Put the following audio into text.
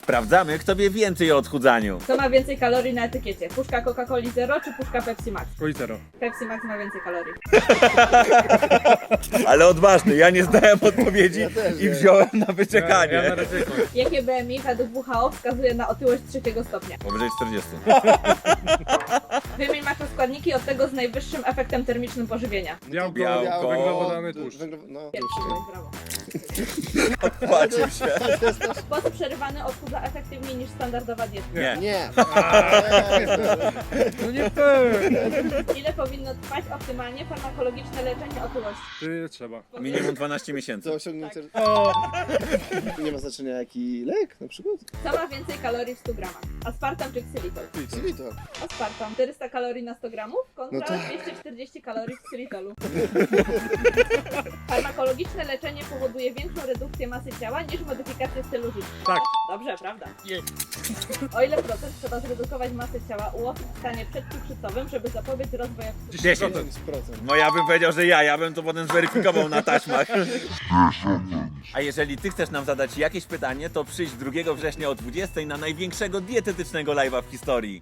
Sprawdzamy, kto wie więcej o odchudzaniu. Co ma więcej kalorii na etykiecie? Puszka Coca-Coli Zero czy puszka Pepsi Max? Coli zero. Pepsi Max ma więcej kalorii. Ale odważny, ja nie znałem odpowiedzi i wziąłem na Ja wyczekanie. na ryzyko. Jakie BMI według WHO wskazuje na otyłość 3 stopnia? Powyżej 40. Wymień makroskładniki od tego z najwyższym efektem termicznym pożywienia. Białko, węglowodany, tłuszcz. No, Pierwszy, byłeś, brawo. Płacił się. Sposób przerywany odchudza efektywniej niż standardowa dieta. Nie. Nie. No nie fair. Ile powinno trwać optymalnie farmakologiczne leczenie otyłości? Ty trzeba. Minimum 12 miesięcy. To osiągnięcie. O, Nie ma znaczenia jaki lek na przykład. Co ma więcej kalorii w 100 gramach? Aspartam czy ksylitol? Xylitol. Aspartam. 400 kalorii na 100 gramów kontra No tak. 240 kalorii w ksylitolu. Farmakologiczne leczenie powoduje większą redukcję masy ciała niż modyfikację stylu życia. tak. Dobrze, prawda? O ile procent trzeba zredukować masę ciała u osób w stanie przedcukrzycowym, żeby zapobiec rozwojowi? 10. 10%. No ja bym powiedział, że ja bym to potem zweryfikował na taśmach. A jeżeli ty chcesz nam zadać jakieś pytanie, to przyjdź 2 września o 20 na największego dietetycznego live'a w historii.